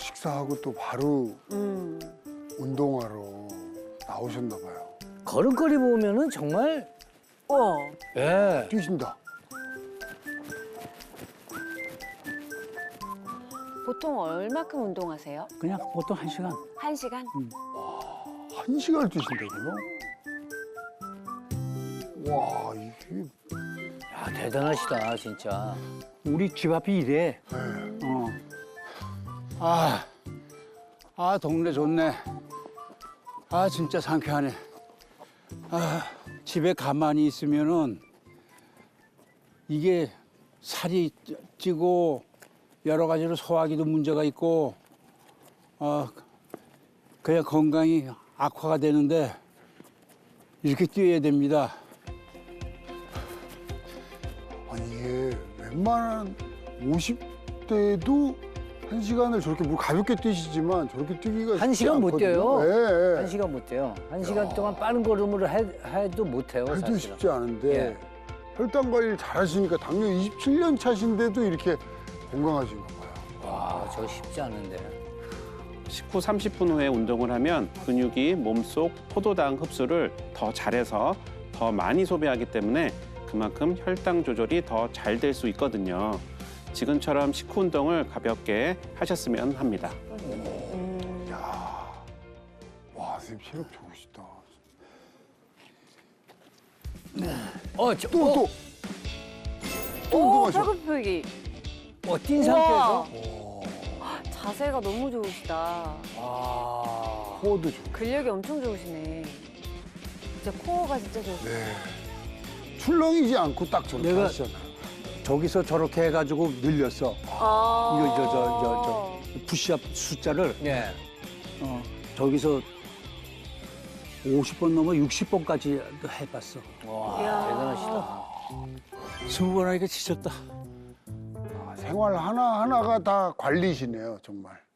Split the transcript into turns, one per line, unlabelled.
식사하고 또 바로 운동하러 나오셨나 봐요.
걸음걸이 보면은 정말
우와.
예.
뛰신다.
보통 얼마큼 운동하세요?
그냥 보통 1시간.
1시간?
1시간을 뛰신다고요? 와, 이게
야, 대단하시다 진짜.
우리 집 앞이 이래. 동네 좋네. 진짜 상쾌하네. 집에 가만히 있으면은 이게 살이 찌고 여러 가지로 소화기도 문제가 있고 그냥 건강이 악화가 되는데 이렇게 뛰어야 됩니다.
아니 이게 웬만한 50대도 1시간을 저렇게 뭐 가볍게 뛰시지만 저렇게 뛰기가
한 시간 못 뛰어요.
예, 예.
한 시간 못 돼요. 한 시간 동안 빠른 걸음으로 해도 못 해요.
해도
사실은.
쉽지 않은데
예.
혈당 관리를 잘 하시니까 당뇨 27년 차신데도 이렇게 건강하신가 봐요.
와, 저거 쉽지 않은데.
식후 30분 후에 운동을 하면 근육이 몸속 포도당 흡수를 더 잘해서 더 많이 소비하기 때문에 그만큼 혈당 조절이 더 잘 될 수 있거든요. 지금처럼 식후 운동을 가볍게 하셨으면 합니다.
와, 선생님 체력 좋으시다.
또
또
오,
운동하셔.
팔굽혀펴기.
뛴
우와.
상태에서.
자세가 너무 좋으시다.
와.
코어도 좋고.
근력이 엄청 좋으시네. 진짜 코어가 진짜 좋으시네.
네. 출렁이지 않고 딱 저렇게
내가-
하시잖아요.
저기서 저렇게 해가지고 늘렸어.
아.
이거 푸시업 숫자를
예.
저기서 50번 넘어 60번까지 해봤어.
와,
이야.
대단하시다.
20번 하니까 지쳤다.
생활 하나하나가 다 관리시네요, 정말.